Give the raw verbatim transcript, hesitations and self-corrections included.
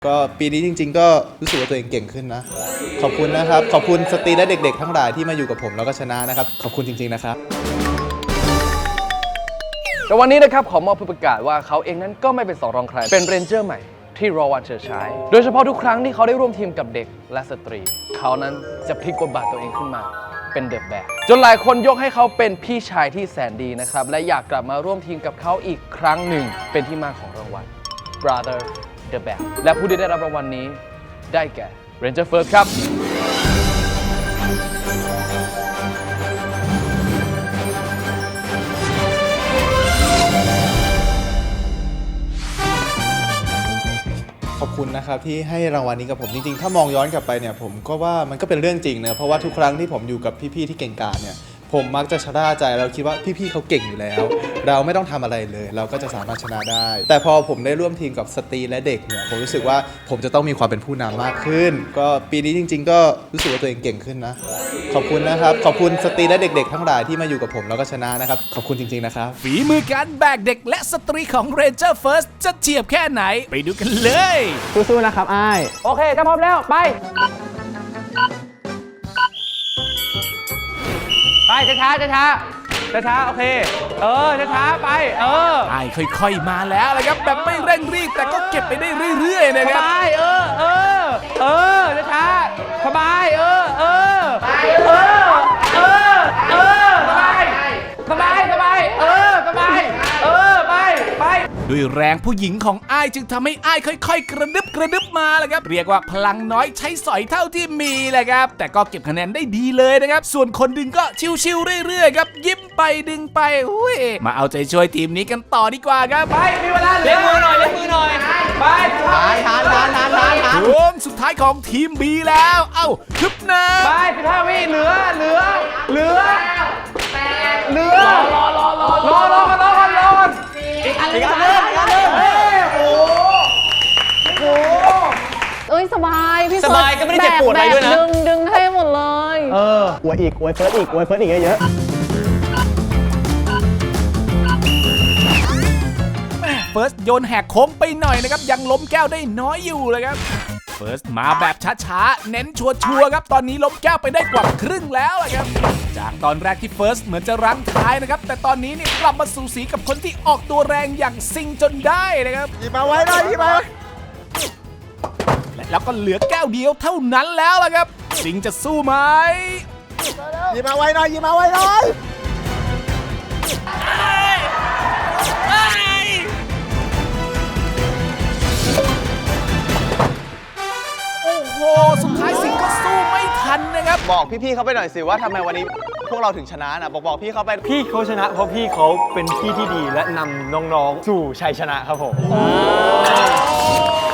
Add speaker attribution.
Speaker 1: ก็ปีนี้จริงๆก็รู้สึกว่าตัวเองเก่งขึ้นนะขอบคุณนะครับขอบคุณสตรีและเด็กๆทั้งหลายที่มาอยู่กับผมแล้วก็ชนะนะครับขอบคุณจริงๆนะครับ
Speaker 2: แต่วันนี้นะครับขอมอบผู้ประกาศว่าเขาเองนั้นก็ไม่เป็นสองรองใครเป็นเรนเจอร์ใหม่ที่รอวันเฉิดฉายโดยเฉพาะทุกครั้งที่เขาได้ร่วมทีมกับเด็กและสตรีเขานั้นจะพลิกบทบาทตัวเองขึ้นมาเป็นเดอะแบกจนหลายคนยกให้เขาเป็นพี่ชายที่แสนดีนะครับและอยากกลับมาร่วมทีมกับเขาอีกครั้งหนึ่งเป็นที่มาของรางวัล Brother The Bag และผู้ที่ได้รับรางวัลนี้ได้แก่ Ranger First ครับ
Speaker 1: ขอบคุณนะครับที่ให้รางวัลนี้กับผมจริงๆถ้ามองย้อนกลับไปเนี่ยผมก็ว่ามันก็เป็นเรื่องจริงนะเพราะว่าทุกครั้งที่ผมอยู่กับพี่ๆที่เก่งกาจเนี่ยผมมักจะชนะใจเราคิดว่าพี่ๆเขาเก่งอยู่แล้วเราไม่ต้องทำอะไรเลยเราก็จะสามารถชนะได้แต่พอผมได้ร่วมทีมกับสตรีและเด็กเนี่ยผมรู้สึกว่าผมจะต้องมีความเป็นผู้นำมากขึ้นก็ปีนี้จริงๆก็รู้สึกว่าตัวเองเก่งขึ้นนะขอบคุณนะครับขอบคุณสตรีและเด็กๆทั้งหลายที่มาอยู่กับผมแล้วก็ชนะนะครับขอบคุณจริงๆนะครับ
Speaker 3: ฝีมือการแบกเด็กและสตรีของ Ranger First จะเฉียบแค่ไหนไปดูกันเลย
Speaker 4: สู้ๆนะครับอ้ายโอเคถ้าพร้อมแล้วไปไปช้าๆช้าๆช้าๆโอเคเออช้าๆไปเออ
Speaker 3: ไอ้ค่อยๆมาแล้วเลยครับแบบไม่เร่งรีบแต่ก็เก็บไปได้เรื่อยๆนะครับ
Speaker 4: สบายเออเออเออช้าๆสบายเออเออเออเออเออสบายสบายสบายเออสบายเออไปไป
Speaker 3: ด้วยแรงผู้หญิงของอ้ายจึงทำให้อ้ายค่อยๆกระดึบกระดึบมาเลยครับเรียกว่าพลังน้อยใช้สอยเท่าที่มีแหละครับแต่ก็เก็บคะแนนได้ดีเลยนะครับส่วนคนดึงก็ชิวๆเรื่อยๆครับยิ้มไปดึงไปอุ้ยมาเอาใจช่วยทีมนี้กันต่อดีกว่าครับ
Speaker 4: ไปมีเวลาเลี้ยงมือหน่อยเลี้ยงมือหน่อยไปทานทานทานทานทานทาน
Speaker 3: ช่วงสุดท้ายของทีม B แล้วเอ้าฮึบนะ
Speaker 4: ไปสิบห้าวิเหลือเหลือเหลือเหลือรอรอรอรอรอรอรอรอรออีกอันนึงอีกอันนึงอีกอันนึงโอ้โห
Speaker 5: เอ้ยสบายพี่
Speaker 4: สบายก็ไม่ได้เจ็บปวดอะไรด้วยนะ
Speaker 5: ดึงดึงให้หมดเลย
Speaker 4: เอออวยอีกอวยเฟิร์สอีกอวยเฟิร์สอีกเยอะ
Speaker 3: เฟิร์สโยนแหกโค้งไปหน่อยนะครับยังล้มแก้วได้น้อยอยู่เลยครับเฟิร์สมาแบบช้าๆเน้นชัวร์ๆครับตอนนี้ล้มแก้วไปได้กว่าครึ่งแล้วเลยครับจากตอนแรกที่เฟิร์สเหมือนจะรั้งท้ายนะครับแต่ตอนนี้เนี่ยกลับมาสูสีกับคนที่ออกตัวแรงอย่างซิงจนได้นะครับ
Speaker 4: หยิบมาไว้หน่อยหยิบมา
Speaker 3: และแล้วก็เหลือแก้วเดียวเท่านั้นแล้วล่ะครับซิงจะสู้ไหม
Speaker 4: หยิบมาไว้หน่อยหยิบมาไว้หน่อย
Speaker 3: โอ้โหสุดท้ายสิงก็สู้ไม่ทันนะครับ
Speaker 1: บอกพี่ๆเขาไปหน่อยสิว่าทำไมวันนี้พวกเราถึงชนะนะบอกบอกพี่เขาไป
Speaker 4: พี่เขาชนะเพราะพี่เขาเป็นพี่ที่ดีและนำน้องๆสู่ชัยชนะครับผม